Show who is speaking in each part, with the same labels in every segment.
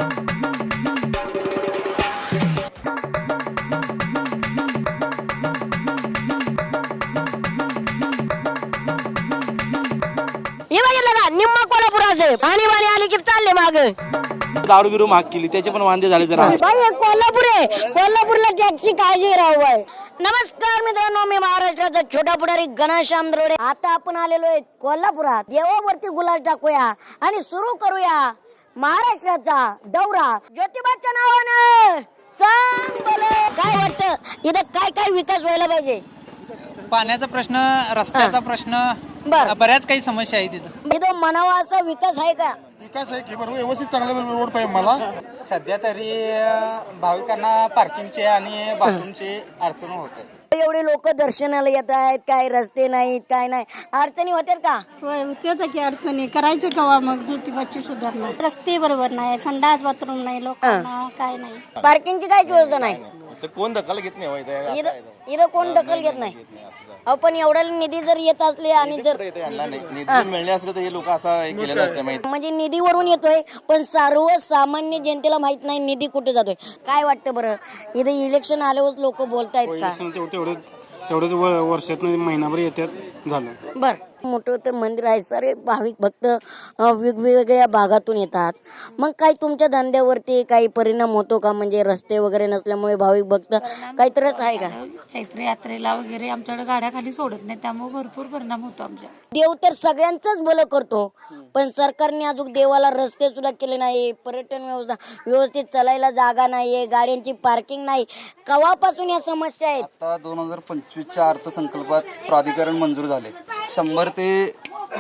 Speaker 1: निम्मा कोल्हापुराचे पाणी पाणी आली की चालले माग
Speaker 2: दारू बिरू महाग केली त्याचे पण वांदे झाले जरा
Speaker 1: कोल्हापूर आहे कोल्हापूरला टॅक्सी काळजी राहू बाय. नमस्कार मित्रांनो, मी महाराष्ट्राचा छोटा पुढारी घनश्याम दरोडे. आता आपण आलेलो आहे कोल्हापुरात. देवावरती गुलाल टाकूया आणि सुरू करूया महाराष्ट्राचा दौरा ज्योतिबाच्या नावानं. काय वाटतं इथं काय काय विकास व्हायला पाहिजे?
Speaker 3: पाण्याचा प्रश्न, रस्त्याचा प्रश्न, बऱ्याच काही समस्या आहेत तिथं.
Speaker 1: इथं म्हणावा असा विकास आहे का?
Speaker 4: विकास आहे की बरोबर, व्यवस्थित चांगला रोड पाहिजे मला.
Speaker 5: सध्या तरी भाविकांना पार्किंगचे आणि बाथरूमची अडचण होते.
Speaker 1: एवढे लोक दर्शनाला येत आहेत, काय रस्ते नाहीत, काय नाही, अडचणी होत्यात का?
Speaker 6: होय, होत्या की अडचणी. करायचं कवा मग ज्योतिबाची सुधारणा? रस्ते बरोबर नाही, संडास बाथरूम नाही, लोकांना काय नाही,
Speaker 1: पार्किंगची काहीच व्यवस्था नाही.
Speaker 4: कोण दखल घेत नाही,
Speaker 1: इथं कोण दखल घेत नाही. पण एवढा निधी जर येत असले आणि जर
Speaker 2: निधी मिळणे असले तर हे लोक असं केलं नसतं माहिती.
Speaker 1: म्हणजे निधीवरून येतोय पण सर्वसामान्य जनतेला माहित नाही निधी कुठे जातोय. काय वाटतं बरं, इथे इलेक्शन आल्यावर लोक बोलतायत का?
Speaker 7: तेवढंच वर्षात महिनाभर येतात झालं.
Speaker 1: बर, मोठं तर मंदिर आहे, सारे भाविक भक्त वेगवेगळ्या भागातून येतात. मग काही तुमच्या धंद्यावरती काही परिणाम होतो का? म्हणजे रस्ते वगैरे नसल्यामुळे भाविक भक्त काही त्रास आहे का?
Speaker 6: चैत्र यात्रेला वगैरे आमच्याकडे गाड्या खाली सोडत नाही, त्यामुळे भरपूर परिणाम होतो आमच्या.
Speaker 1: देव तर सगळ्यांचंच भलं करतो, पण सरकारने अजून देवाला रस्ते सुद्धा केले नाही, पर्यटन व्यवस्था व्यवस्थित चालायला जागा नाहीये, गाड्यांची पार्किंग नाही. केव्हापासून या समस्या आहेत?
Speaker 5: आता 2025च्या अर्थसंकल्पात प्राधिकरण मंजूर झाले. 100 ते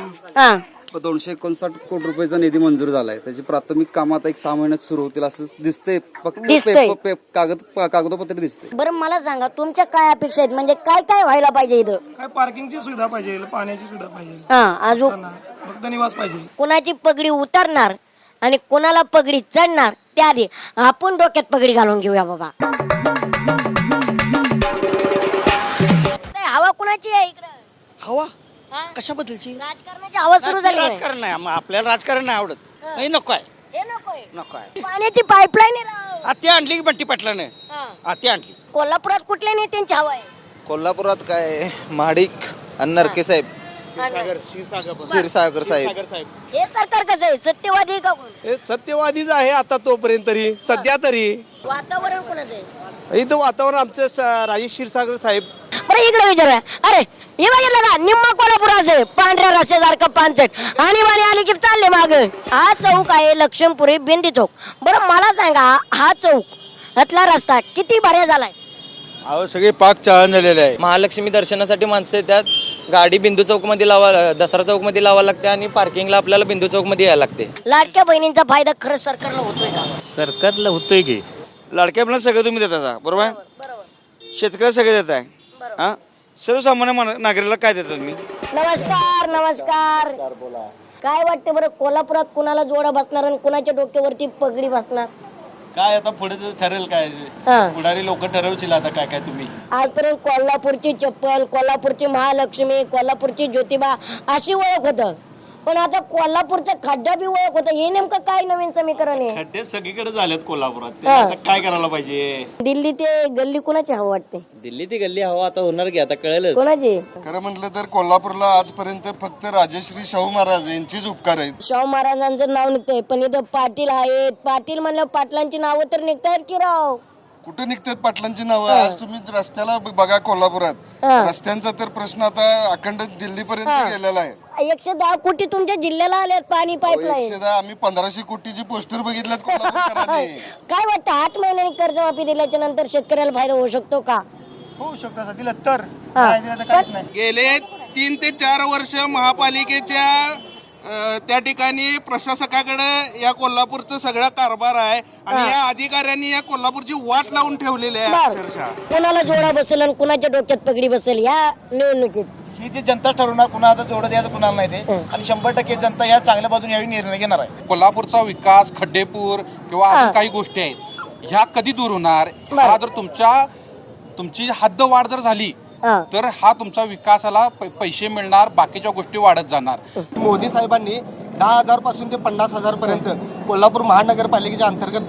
Speaker 5: 259 कोटी रुपयाचा निधी मंजूर झालाय. त्याची प्राथमिक काम आता 6 महिन्यात सुरू होतील असं दिसतंय. फक्त कागदोपत्री दिसते.
Speaker 1: बरं, मला सांगा तुमच्या काय अपेक्षा आहेत? म्हणजे काय काय व्हायला पाहिजे इथं?
Speaker 4: काय पार्किंगची सुविधा पाहिजे, पाण्याची सुविधा पाहिजे,
Speaker 1: अजून
Speaker 4: फक्त निवास पाहिजे.
Speaker 1: कोणाची पगडी उतरणार आणि कोणाला पगडी चढणार त्याआधी आपण डोक्यात पगडी घालून घेऊया बाबा. हवा कुणाची आहे इकडं?
Speaker 2: हवा कशाबद्दलची?
Speaker 1: राजकारणाची हवा सुरू झाली.
Speaker 2: राजकारण नाही, आपल्याला राजकारण नाही आवडत. हे नको आहे,
Speaker 1: हे नकोय.
Speaker 2: नको आहे.
Speaker 1: पाण्याची पाईपलाईन आहे.
Speaker 2: ती आणली की बंटी पाटलाने ती आणली.
Speaker 1: कोल्हापुरात कुठल्या नेत्यांची हवा आहे?
Speaker 8: कोल्हापुरात काय महाडिक आणि नरके साहेब, क्षीरसागर साहेब.
Speaker 1: हे सरकार कसं आहे, सत्यवादी आहे का कोण?
Speaker 2: हे सत्यवादीच आहे आता तोपर्यंत तरी. सध्या तरी
Speaker 1: वातावरण कोणाचं आहे?
Speaker 2: इथं वातावरण आमचं राजेश क्षीरसागर साहेब.
Speaker 1: बरं, इकडे विचारूया. अरे हे बघितलं का, निम्मा कोल्हापुराचे पांढऱ्या रस्त्यासारखं पानचट आणि पाणी आली की चालले माग. हा चौक आहे लक्ष्मणपुरी बेंदी चौक. बरं मला सांगा, हा चौक यातला रस्ता किती भारी झालाय?
Speaker 8: अहो सगळे पाक चाळण झालेले आहे. महालक्ष्मी दर्शनासाठी माणसं येतात, गाडी बिंदू चौक मध्ये दसरा चौक मध्ये लावा लागते आणि पार्किंगला आपल्याला बिंदू चौक मध्ये यायला लागते.
Speaker 1: लाडक्या बहिणींचा फायदा खरंच सरकारला होतोय का?
Speaker 7: सरकारला होतोय की
Speaker 2: लाडक्या मुलांना सगळं तुम्ही देता, बरोबर आहे? शेतकऱ्याला सगळं देत आहे. हा, सर्वसामान्य नागरिकाला काय देतात मी?
Speaker 1: नमस्कार नमस्कार. काय वाटतं बरं, कोल्हापुरात कुणाला जोडा बसणार आणि कुणाच्या डोक्यावरती पगडी बसणार?
Speaker 2: काय आता पुढे ठरेल काय, पुढारी लोक ठरवतील आता काय काय तुम्ही.
Speaker 1: आजपर्यंत कोल्हापूरची चप्पल, कोल्हापूरची महालक्ष्मी, कोल्हापूरची ज्योतिबा अशी ओळख होतं, पण आता कोल्हापूरचा खड्डा बी ओळख होतं. हे नेमकं काय नवीन समीकरण आहे?
Speaker 2: खड्डे सगळीकडे झालेत कोल्हापुरात, ते आता काय करायला पाहिजे?
Speaker 1: दिल्ली ते गल्ली कुणाची हवं वाटते?
Speaker 5: दिल्ली ती गल्ली हवा आता होणार की आता कळेलच.
Speaker 1: कोणाची?
Speaker 4: खरं म्हटलं तर कोल्हापूरला आजपर्यंत फक्त राजश्री शाहू महाराज यांचीच उपकार आहेत.
Speaker 1: शाहू महाराजांचं नाव निघतंय, पण इथं पाटील आहेत. पाटील म्हणलं पाटलांची नावं तर निघतायत की राव?
Speaker 4: कुठे निघतात पाटलांची नावं? आज तुम्ही रस्त्याला बघा कोल्हापुरात, रस्त्यांचा तर प्रश्न आता अखंड दिल्लीपर्यंत गेलेला आहे.
Speaker 1: 110 कोटी तुमच्या जिल्ह्याला आल्यात पाणी पाईपलाईन.
Speaker 4: 110, आम्ही 1500 कोटीची पोस्टर बघितल्यात कोल्हापूरकरांनी.
Speaker 1: काय वाटतं, 8 महिन्यांनी कर्जमाफी दिल्याच्या नंतर शेतकऱ्याला फायदा होऊ शकतो का?
Speaker 4: होऊ शकतो, असं दिलं तर. काहीच नाही.
Speaker 9: गेले 3 ते 4 वर्ष महापालिकेच्या त्या ठिकाणी प्रशासकाकडे या कोल्हापूरचा सगळा कारभार आहे आणि या अधिकाऱ्यांनी या कोल्हापूरची वाट लावून ठेवलेली आहे अक्षरशः.
Speaker 1: कोणाला जोडा बसेल आणि कुणाच्या डोक्यात पगडी बसेल या निवडणुकीत?
Speaker 8: ही जी जनता ठरवणार कुणाला जोडं द्यायचं कुणाला नाही ते, आणि 100% जनता ह्या चांगल्या बाजूने यावेळी निर्णय घेणार आहे.
Speaker 9: कोल्हापूरचा विकास, खड्डेपूर किंवा अजून काही गोष्टी आहेत, ह्या कधी दूर होणार? हा जर तुमची हद्दवाढ जर झाली तर हा तुमचा विकासाला पैसे मिळणार, बाकीच्या गोष्टी वाढत जाणार.
Speaker 8: मोदी साहेबांनी
Speaker 10: 10,000 पासून ते 50,000 पर्यंत कोल्हापूर महानगरपालिकेच्या अंतर्गत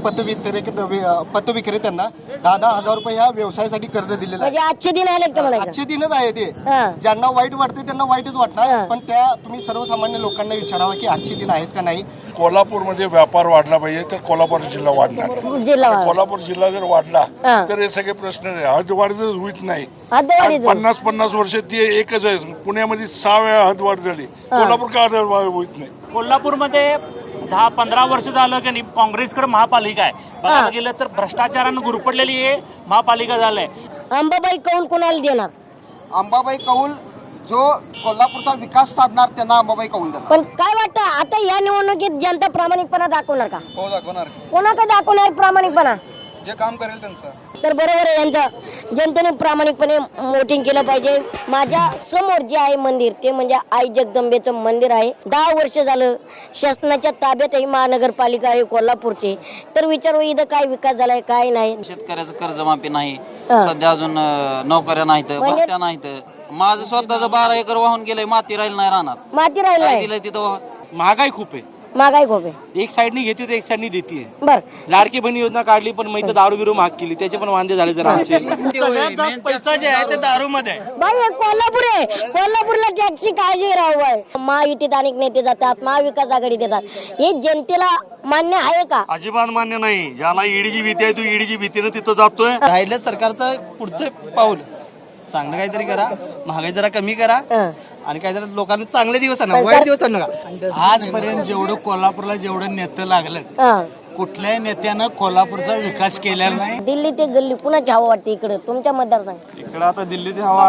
Speaker 10: पतविक्रेत्यांना 10,000 रुपये ह्या व्यवसायासाठी कर्ज दिलेलं आहे.
Speaker 1: म्हणजे आजचे दिन आले का मला
Speaker 10: आजचे दिनच आहे ते.
Speaker 1: हा.
Speaker 10: ज्यांना वाईट वाटते त्यांना वाईटच वाटणार, पण त्या तुम्ही सर्वसामान्य लोकांना विचारावा की आजचे दिन आहेत का नाही.
Speaker 11: कोल्हापूरमध्ये व्यापार वाढला पाहिजे तर कोल्हापूर जिल्हा वाढणार.
Speaker 1: जिल्हा
Speaker 11: कोल्हापूर जिल्हा जर वाढला
Speaker 1: हा.
Speaker 11: तर हे सगळे प्रश्न हदवाढ जर होत नाही.
Speaker 1: हदवाढीच होईल.
Speaker 11: 50 वर्ष ती एकच आहे. पुण्यामध्ये 6 वेळा हदवाढ झाली. कोल्हापूर का हदवाढ होत नाही?
Speaker 12: कोल्हापूरमध्ये 10-15 वर्ष झालं की नाही काँग्रेसकडे महापालिका आहे. बघायला गेलं तर भ्रष्टाचारानं गुरपडलेली हे महापालिका झालंय.
Speaker 1: अंबाबाई कौल कोणाला देणार?
Speaker 10: अंबाबाई कौल जो कोल्हापूरचा विकास साधणार त्यांना अंबाबाई कौल देणार.
Speaker 1: पण काय वाटतं आता या निवडणुकीत जनता प्रामाणिकपणा दाखवणार का?
Speaker 4: हो दाखवणार.
Speaker 1: कोणाकडे दाखवणार प्रामाणिकपणा?
Speaker 4: जे काम करेल त्यांचं.
Speaker 1: तर बरोबर आहे, यांचं जनतेने प्रामाणिकपणे वोटिंग केलं पाहिजे. माझ्या समोर जे आहे मंदिर ते म्हणजे आई जगदंबेचं मंदिर आहे. 10 वर्ष झालं शासनाच्या ताब्यात ही महानगरपालिका आहे कोल्हापूरची. तर विचारू इथं काय विकास झालाय काय नाही.
Speaker 8: शेतकऱ्याचं कर्जमाफी नाही, सध्या अजून नोकऱ्या नाहीत, भरत्या नाहीत. माझं स्वतःच 12 एकर वाहून गेलंय, माती राहील नाही राहणार.
Speaker 1: माती राहिलं
Speaker 8: काय
Speaker 1: नाही,
Speaker 8: दिलंय तिथं?
Speaker 12: महागाई खूप आहे.
Speaker 1: महागाई खूप आहे.
Speaker 12: एक साईडनी घेते तर एक साईडनी देते.
Speaker 1: बर
Speaker 12: लाडकी बहिणी योजना काढली पण मग इथं दारू बिरू महाग केली, त्याचे पण वांदे झाले जर आमचे. सगळ्यात जास्त पैसा जे आहे ते दारू मध्ये आहे.
Speaker 1: बाई हे कोल्हापूर आहे, कोल्हापूरला टॅक्सची काळजी राहू बाई. महायुतीत अनेक नेते जातात, महाविकास आघाडी देतात. हे जनतेला मान्य आहे का?
Speaker 12: अजिबात मान्य नाही. ज्याला ईडीची भीती आहे तो ईडीची भीतीनं तिथं जातोय.
Speaker 8: राहिलं सरकारचं पुढचं पाऊल चांगलं काहीतरी करा, महागाई जरा कमी करा आणि काहीतरी लोकांना चांगले दिवस आणा, वाईट दिवस आणू नका.
Speaker 12: आजपर्यंत जेवढं कोल्हापूरला जेवढं नेतं लागलं कुठल्याही नेत्यानं कोल्हापूरचा विकास केलेला नाही.
Speaker 1: दिल्ली ते गल्ली कुणाची हवा वाटते इकडे तुमच्या मतदारसंघात?
Speaker 7: इकडे आता दिल्लीत हवा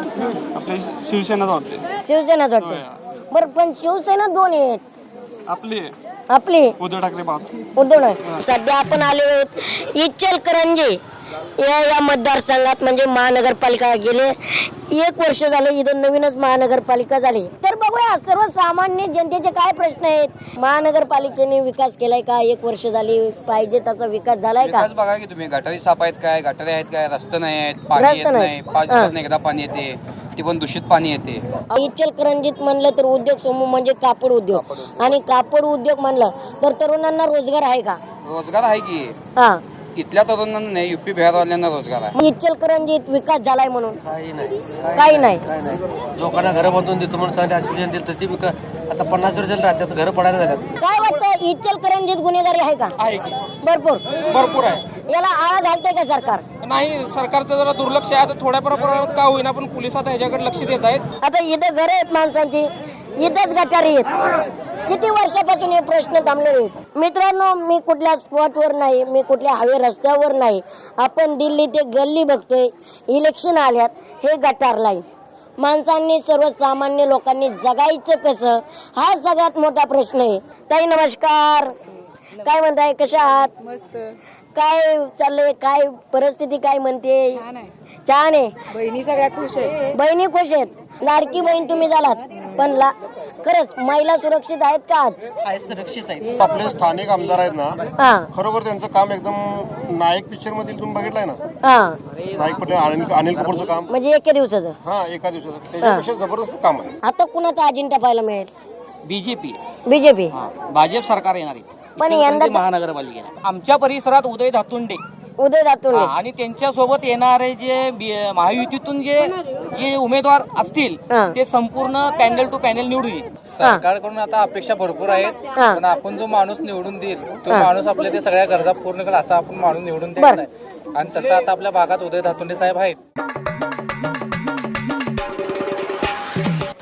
Speaker 7: आपली शिवसेनाच वाटते.
Speaker 1: शिवसेनाच वाटते. बरं पण शिवसेना दोन आहेत.
Speaker 7: आपली
Speaker 1: आपली
Speaker 7: उद्धव ठाकरे बास.
Speaker 1: उद्धव ठाकरे. सध्या आपण आलेलो आहोत इचलकरंजी या मतदारसंघात म्हणजे महानगरपालिका गेले 1 वर्ष झालं इथं नवीनच महानगरपालिका झाली. तर बघूया सर्वसामान्य जनतेचे काय प्रश्न आहेत. महानगरपालिकेने विकास केलाय का? 1 वर्ष झाली पाहिजे तसा विकास झालाय का?
Speaker 8: बघा की तुम्ही गटारी साफ आहेत काय, गटारी आहेत काय, रस्ते नाही आहेत, पाणी येत नाही, 5 दिवसात एकदा पाणी येते, ती पण दूषित पाणी येते.
Speaker 1: इचलकरंजीत म्हणलं तर उद्योग समूह म्हणजे कापड उद्योग, आणि कापड उद्योग म्हणलं तर तरुणांना रोजगार आहे का?
Speaker 8: रोजगार आहे की.
Speaker 1: हा,
Speaker 8: इथल्या तरुणांना नाही, युपी बिहारवाल्यांना रोजगार आहे.
Speaker 1: इचलकरंजीत विकास झालाय म्हणून
Speaker 10: काही नाही.
Speaker 1: काही नाही.
Speaker 10: लोकांना घरं बांधून देतो म्हणून सांगितलं आश्वासन दिलं तर ती आता 50 वर्ष राज्यात घरं पडायला झाल्यात.
Speaker 1: काय वाटतं इचलकरंजीत गुन्हेगारी आहे का?
Speaker 12: आहे की
Speaker 1: भरपूर.
Speaker 12: भरपूर आहे.
Speaker 1: याला आळा घालतंय का सरकार?
Speaker 12: नाही, सरकारचं जरा दुर्लक्ष आहे. आता थोड्या प्रमाणात का होईना पण पोलीस आता ह्याच्याकडे लक्ष देत आहेत.
Speaker 1: आता इथं घर आहेत माणसांची, इथंच गटारी आहेत. किती वर्षापासून हे प्रश्न थांबलेले आहेत. मित्रांनो, मी कुठल्या स्पॉटवर नाही, मी कुठल्या हवे रस्त्यावर नाही. आपण दिल्ली ते गल्ली बघतोय. इलेक्शन आल्यात, हे गटार लाईन. माणसांनी सर्वसामान्य लोकांनी जगायचं कसं, हा सगळ्यात मोठा प्रश्न आहे. ताई नमस्कार, काय म्हणताय, कशा आहात?
Speaker 6: मस्त.
Speaker 1: काय चाललंय, काय परिस्थिती काय म्हणते? छान आहे.
Speaker 6: बहिणी सगळ्या खुश आहे.
Speaker 1: बहिणी खुश आहेत. लाडकी बहीण तुम्ही झालात, पण खरंच महिला सुरक्षित आहेत का आज?
Speaker 8: सुरक्षित आहे.
Speaker 7: आपले स्थानिक आमदार आहेत ना,
Speaker 1: हा
Speaker 7: खरोखर त्यांचं काम एकदम नायक पिक्चर मधील तुम्ही बघितलंय ना,
Speaker 1: हा,
Speaker 7: नायक पटेल अनिल कपूरचं काम.
Speaker 1: म्हणजे एके दिवसाचं.
Speaker 7: हा, एका दिवसाचं त्याच्यापेक्षा जबरदस्त काम आहे.
Speaker 1: आता कुणाचा अजिंठा पाहायला मिळेल?
Speaker 8: BJP
Speaker 1: BJP.
Speaker 8: भाजप सरकार येणार आहे
Speaker 1: पण यंदा
Speaker 8: महानगरपालिकेला. आमच्या परिसरात उदय धातुंडे
Speaker 1: उदय दातुंडे
Speaker 8: आणि त्यांच्या सोबत येणारे जे महायुतीतून जे उमेदवार असतील ते संपूर्ण पॅनल टू पॅनल निवडून येईल. सरकारकडून आता अपेक्षा भरपूर आहेत, पण आपण जो माणूस निवडून देईल तो माणूस आपल्या ते सगळ्या गरजा पूर्ण करेल असा आपण माणूस निवडून द्यायचा आहे. आणि तसं आता आपल्या भागात उदय धातुंडे साहेब आहेत.